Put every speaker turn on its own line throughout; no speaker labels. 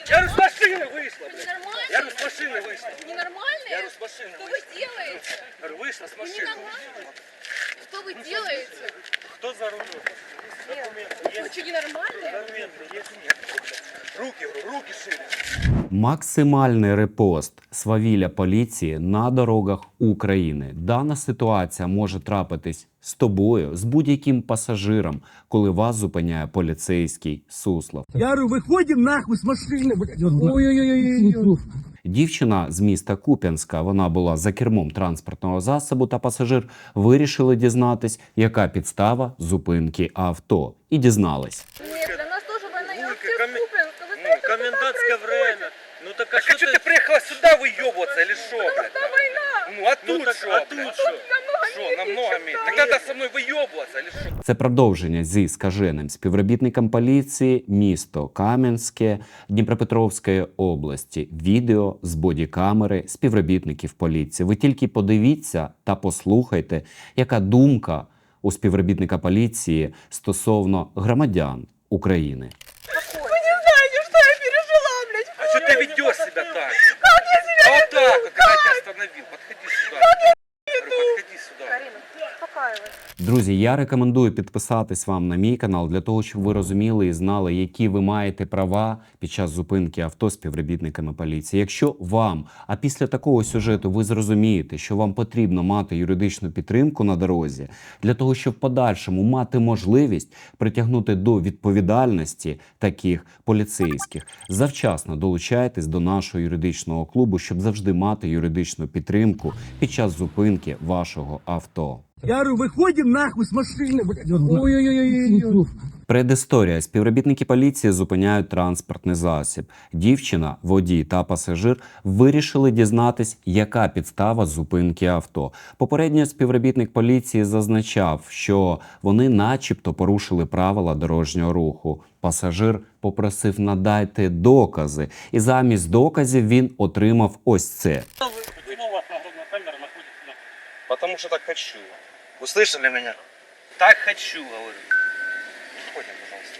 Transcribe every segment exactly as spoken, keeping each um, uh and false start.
Я говорю, с машины вышла, блядь.
Нормально?
Я говорю, с машины вышла.
Ненормально?
Я говорю, с машины
Что вы
вышла.
делаете?
Я говорю, вышла с
Вы
машины.
ненормально? Что вы делаете?
Кто за рулем? Документы
Вы
есть?
что, ненормальные?
Документы есть? Нет. Руки, говорю, руки шире.
Максимальний репост свавілля поліції на дорогах України. Дана ситуація може трапитись з тобою, з будь-яким пасажиром, коли вас зупиняє поліцейський Суслов.
Я говорю, выходим нахуй с машины, блядь. Ой-ой-ой.
Дівчина з міста Куп'янська, вона була за кермом транспортного засобу, та пасажир вирішили дізнатись, яка підстава зупинки авто. І дізнались.
Нет, для нас тоже война. Я
Улька,
вообще с
комен-
Купинска. Вы
Ну,
знаете, что там
комендантское
происходит?
время. Ну так а что ты приехала сюда выебываться или что, блядь?
Это война.
Ну а тут что,
Тут
а тут что?
намного
Что,
меньше,
намного
чем
меньше?
там.
Так надо со мной выебываться или что?
Це продовження зі скаженим співробітником поліції, місто Кам'янське, Дніпропетровської області. Відео з бодікамери співробітників поліції. Ви тільки подивіться та послухайте, яка думка у співробітника поліції стосовно громадян України.
Вы не знаете, что я пережила, блядь.
А что ты ведешь себя так? Как я себя а вот так вот, когда я тебя остановил. Подходи сюда. Говорю, подходи сюда.
Карина, успокаивайся.
Друзі, я рекомендую підписатись вам на мій канал для того, щоб ви розуміли і знали, які ви маєте права під час зупинки авто співробітниками поліції. Якщо вам, а після такого сюжету ви зрозумієте, що вам потрібно мати юридичну підтримку на дорозі, для того, щоб в подальшому мати можливість притягнути до відповідальності таких поліцейських, завчасно долучайтесь до нашого юридичного клубу, щоб завжди мати юридичну підтримку під час зупинки вашого авто.
Я говорю, выходим нахуй с машины, блядь. Ой-ой-ой.
Предісторія. Співробітники поліції зупиняють транспортний засіб. Дівчина, водій та пасажир вирішили дізнатись, яка підстава зупинки авто. Попередньо співробітник поліції зазначав, що вони начебто порушили правила дорожнього руху. Пасажир попросив надайте докази. І замість доказів він отримав ось це.
Почему у вас нагрудная камера находится на...
Потому что так хочу. Услышали меня? Так хочу, говорю. Уходим, пожалуйста.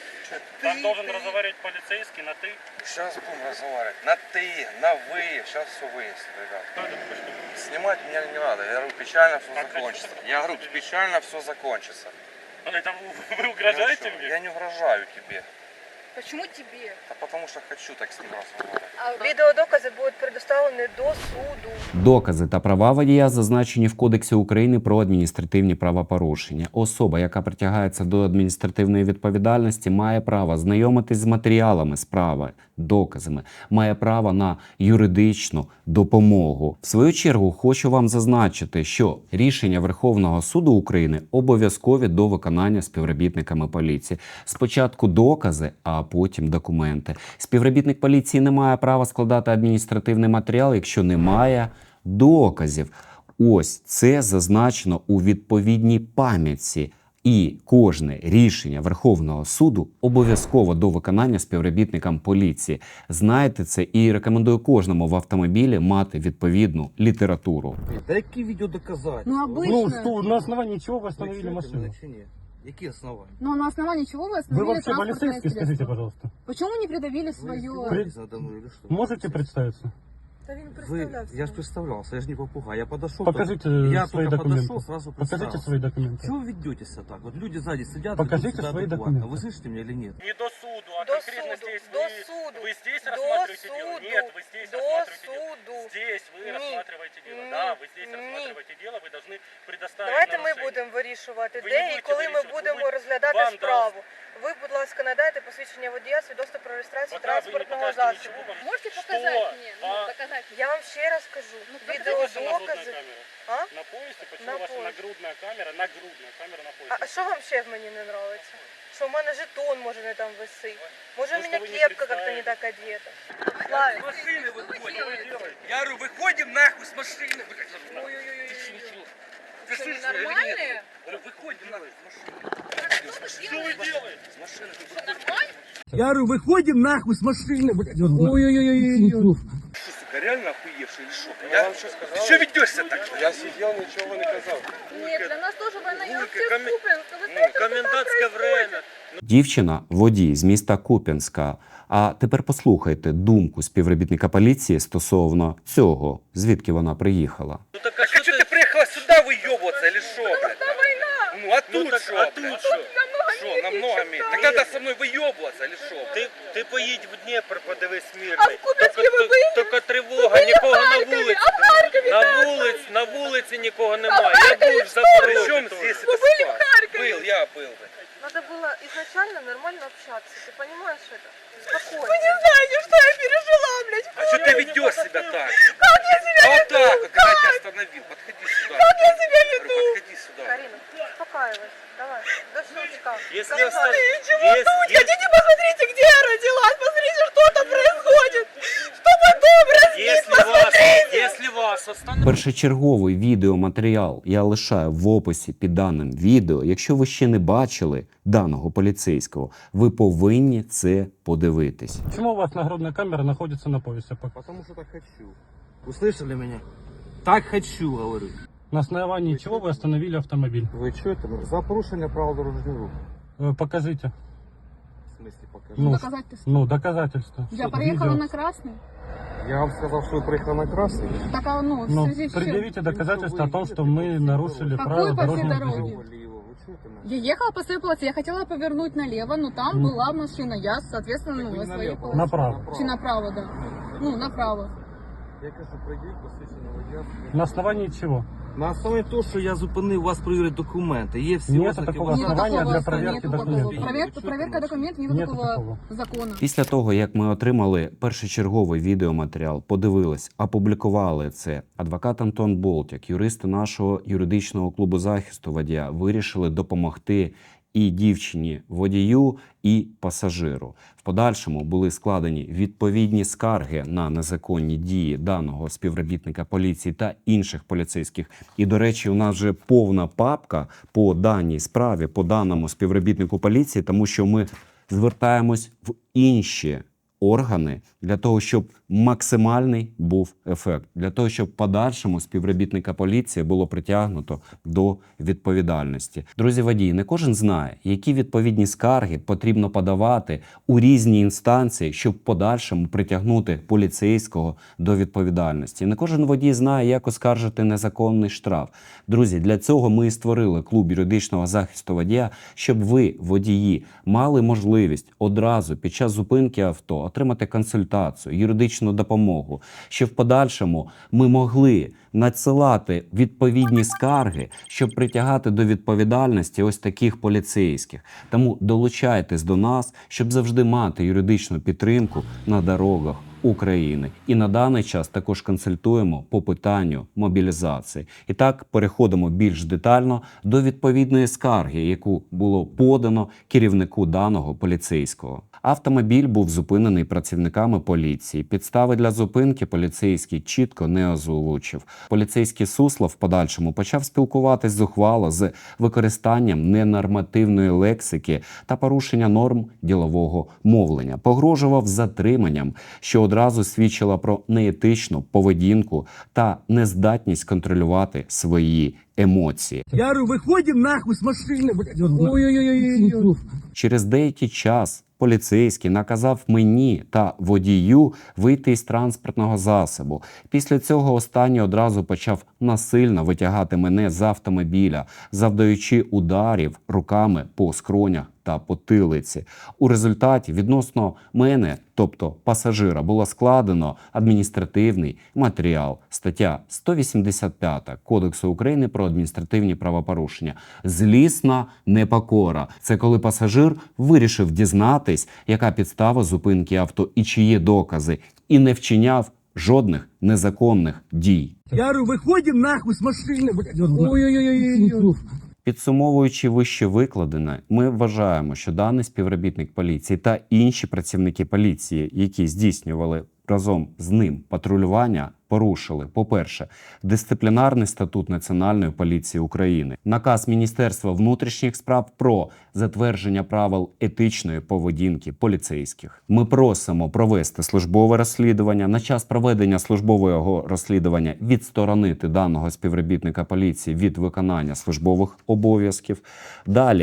Там должен разговаривать полицейский на «ты».
Сейчас будем разговаривать. На ты, на вы. Сейчас все выясним, ребят.
Что это такое, что?
Снимать меня не надо. Я говорю, печально все
А
закончится.
хочу.
Я говорю, печально все закончится.
Это вы, вы угрожаете
Ну,
мне?
Я не угрожаю тебе.
Почему тебе?
А потому что хочу так с ним разговаривать.
А відеодокази будуть предоставлені до суду.
Докази та права водія зазначені в Кодексі України про адміністративні правопорушення. Особа, яка притягається до адміністративної відповідальності, має право знайомитись з матеріалами справи, доказами, має право на юридичну допомогу. В свою чергу хочу вам зазначити, що рішення Верховного суду України обов'язкові до виконання співробітниками поліції. Спочатку докази, а потім документи. Співробітник поліції не має права складати адміністративний матеріал, якщо немає доказів. Ось це зазначено у відповідній пам'ятці. І кожне рішення Верховного суду обов'язково до виконання співробітникам поліції. Знайте це і рекомендую кожному в автомобілі мати відповідну літературу.
Да какие видео доказательства?
Ну, обычно.
Ну что, на основании чего вы остановили машину?
Какие основания?
Но на основании чего вы
Вы
остановили
вообще
транспортное
полицейский,
средство?
скажите, пожалуйста.
Почему не предъявили свое?
При-
надо мной или что?
Можете представиться?
Да він
Вы,
представлявся.
я же представлялся, я же не попугай. Я подошел.
Покажите
я
свои
только
документы.
подошел, сразу
Покажите
представился.
свои документы.
Чего вы ведете себя так? Вот люди сзади сидят.
Покажите
ведут себя
свои
адекватно.
документы.
Вы слышите меня или нет?
Не до суду, а
До
конкретно
суду,
здесь
до
вы,
суду,
вы здесь
до
рассматриваете дело?
суду,
Нет, вы здесь
до
рассматриваете дело.
суду.
Здесь вы
Ні.
рассматриваете дело.
Ні.
Да, вы здесь
Ні.
рассматриваете дело, вы должны предоставить
Давайте ми
нарушение.
будемо вирішувати,
Ви
де
не
і
будете
коли ми
вирішувати,
будемо
ви-
розглядати
вам
справу. Ви, будь ласка, надайте посвідчення водія, свідоцтво про реєстрацію
Пока вы не
транспортного
покажете
засобу.
ничего, вам-
Можете
Что?
показати мені? Ну,
А?
доказати. Я вам ще раз кажу.
Где ваша
Відеодокази.
нагрудная камера?
А?
На поясе? Почему
На
ваша
поясе.
нагрудная камера? Нагрудная камера на
А,
поясе.
а що вам ще в мені не подобається? Що в мене жетон може не там висить? Може у
Ну,
мене
що ви не
кепка как-то не
представили.
так одета? Славик,
С машины
что вы
выходим.
делаете?
Я говорю, выходим нахуй с машины. блядь.
Ой-ой-ой.
Ты чё? Ты
Что,
слышишь меня или
ненормальные?
нет? Говорю, выходим нахуй с машины.
Что вы делаете?
С машины.
Нормально?
Я говорю, выходим нахуй с машины, блядь. Ой-ой-ой.
Что, сука, реально охуевший или что? Я вам что сказал? Ты что ведешь себя так?
Я сидел, ничего не казал.
Нет, для нас тоже война. Я
Улька,
вообще с
комен-
Купинска. Вы
Ну,
знаете, что там
комендантское
происходит?
время.
Дівчина, водій з міста Куп'янська, А тепер послухайте думку співробітника поліції стосовно цього, звідки вона приїхала.
Ну так
Так а что ты приехала сюда выебываться или что, блядь? Ну а тут
так,
что,
а тут
блядь?
що?
Что, намного меньше? Так надо со мной выебываться или что?
Ти, ти поїдь в Дніпр, подивись
А
мирний.
в Куп'янській ви
Тільки-
були?
Тільки тривога, нікого на вулиці.
А в Харкові
На
так.
вулиці, на вулиці нікого немає. Я був в
Причем
Запорожжі.
здесь
Вы
это
были в
спать?
Харькове?
Был, я был. блядь.
Надо было изначально нормально общаться. Ты понимаешь это? Спокойно. Вы не знаете, что я пережила, блядь.
А что ты ведешь себя так?
Как я себя
А вот так вот, когда я тебя остановил, подходи сюда.
Как я себя
Говорю,
веду?
подходи сюда.
Карина, успокаивайся. Давай, до щелчка.
Если
Давай.
оста-
Чего
есть-
тут?
есть-
Хотите, посмотрите, где я родилась. Посмотрите, что там происходит. Что потом разнит,
Если вас,
посмотрите.
если вас остановить,
Першочерговий відеоматеріал я лишаю в описі під даним відео. Якщо ви ще не бачили даного поліцейського, ви повинні це подивитись.
Почему у вас нагрудная камера находится на поясе? Пок-
Потому что так хочу.
Услышали меня? Так хочу, говорю.
На основании чего вы остановили автомобиль?
Ви чуєте? За порушення правил дорожнього руху.
Э, Покажите.
В смысле покажу.
Ну,
Доказательства.
ну, доказательства.
Я
Что,
проехала
видео?
на красный.
Я вам сказав, що ви приїхали на красний.
Так, а, ну, в
Ну,
связи с чем?
предъявите доказательства о том, что мы нарушили
Какой
правила
по всей
дорожного
дороге?
движения.
Ліво, ви чуєте мене?
Я ехала по своей полосе, я хотела повернуть налево, но там
Мгм.
была машина. Я, соответственно, ну,
Ви
на
не
своей
наліво.
полосе.
Направо.
Чи направо, да. Ну, направо.
Я кажу, прийдіть, посвідчення водія.
На основании чего?
На основі того, що я зупинив вас перевірити документи. Є всі
Нету
ознаки
такого
вашого-
Нету
основания
такого,
для проверки
нету такого.
документов.
Проверка, проверка документов, нету,
Нету
такого,
такого.
закона.
Після того, як ми отримали першочерговий відеоматеріал, подивились, опублікували це, адвокат Антон Болтяк, юристи нашого юридичного клубу захисту водія, вирішили допомогти і дівчині водію, і пасажиру. В подальшому були складені відповідні скарги на незаконні дії даного співробітника поліції та інших поліцейських. І, до речі, у нас вже повна папка по даній справі, по даному співробітнику поліції, тому що ми звертаємось в інші органи для того, щоб максимальний був ефект, для того, щоб в подальшому співробітника поліції було притягнуто до відповідальності. Друзі водії, не кожен знає, які відповідні скарги потрібно подавати у різні інстанції, щоб в подальшому притягнути поліцейського до відповідальності. Не кожен водій знає, як оскаржити незаконний штраф. Друзі, для цього ми і створили клуб юридичного захисту водія, щоб ви, водії, мали можливість одразу під час зупинки авто отримати консультацію, юридичну допомогу, щоб в подальшому ми могли надсилати відповідні скарги, щоб притягати до відповідальності ось таких поліцейських. Тому долучайтесь до нас, щоб завжди мати юридичну підтримку на дорогах України. І на даний час також консультуємо по питанню мобілізації. І так, переходимо більш детально до відповідної скарги, яку було подано керівнику даного поліцейського. Автомобіль був зупинений працівниками поліції. Підстави для зупинки поліцейський чітко не озвучив. Поліцейський Суслов в подальшому почав спілкуватись зухвало з використанням ненормативної лексики та порушення норм ділового мовлення. Погрожував затриманням, що одразу свідчила про неетичну поведінку та нездатність контролювати свої емоції.
Я говорю, выходим нахуй с машины, блядь. Ой-ой-ой.
Через деякий час поліцейський наказав мені та водію вийти із транспортного засобу. Після цього останній одразу почав насильно витягати мене з автомобіля, завдаючи ударів руками по скронях та потилиці. У результаті відносно мене, тобто пасажира, було складено адміністративний матеріал. Стаття сто вісімдесят п'ять Кодексу України про адміністративні правопорушення. Злісна непокора. Це коли пасажир вирішив дізнатись, яка підстава зупинки авто і чи є докази, і не вчиняв жодних незаконних дій.
Я говорю, выходим нахуй с машины, блядь. Ой-ой-ой.
Підсумовуючи вище викладене, ми вважаємо, що даний співробітник поліції та інші працівники поліції, які здійснювали разом з ним патрулювання, порушили, по-перше, дисциплінарний статут Національної поліції України, наказ Міністерства внутрішніх справ про затвердження правил етичної поведінки поліцейських. Ми просимо провести службове розслідування. На час проведення службового розслідування відсторонити даного співробітника поліції від виконання службових обов'язків. Далі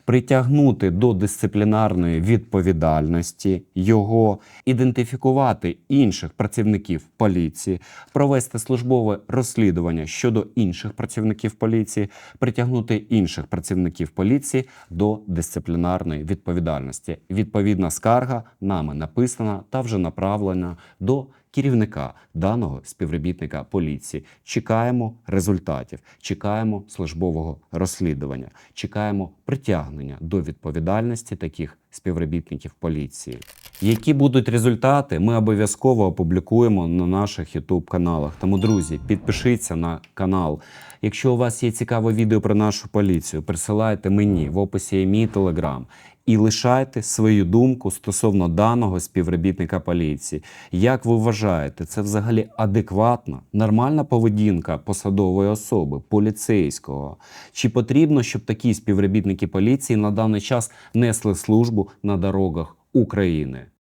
притягнути до дисциплінарної відповідальності його, ідентифікувати інших працівників поліції, провести службове розслідування щодо інших працівників поліції, притягнути інших працівників поліції до дисциплінарної відповідальності. Відповідна скарга нами написана та вже направлена до керівника даного співробітника поліції. Чекаємо результатів, чекаємо службового розслідування, чекаємо притягнення до відповідальності таких співробітників поліції. Які будуть результати, ми обов'язково опублікуємо на наших ютуб-каналах. Тому, друзі, підпишіться на канал. Якщо у вас є цікаве відео про нашу поліцію, присилайте мені, в описі є мій телеграм. І лишайте свою думку стосовно даного співробітника поліції. Як ви вважаєте, це взагалі адекватна, нормальна поведінка посадової особи, поліцейського? Чи потрібно, щоб такі співробітники поліції на даний час несли службу на дорогах України?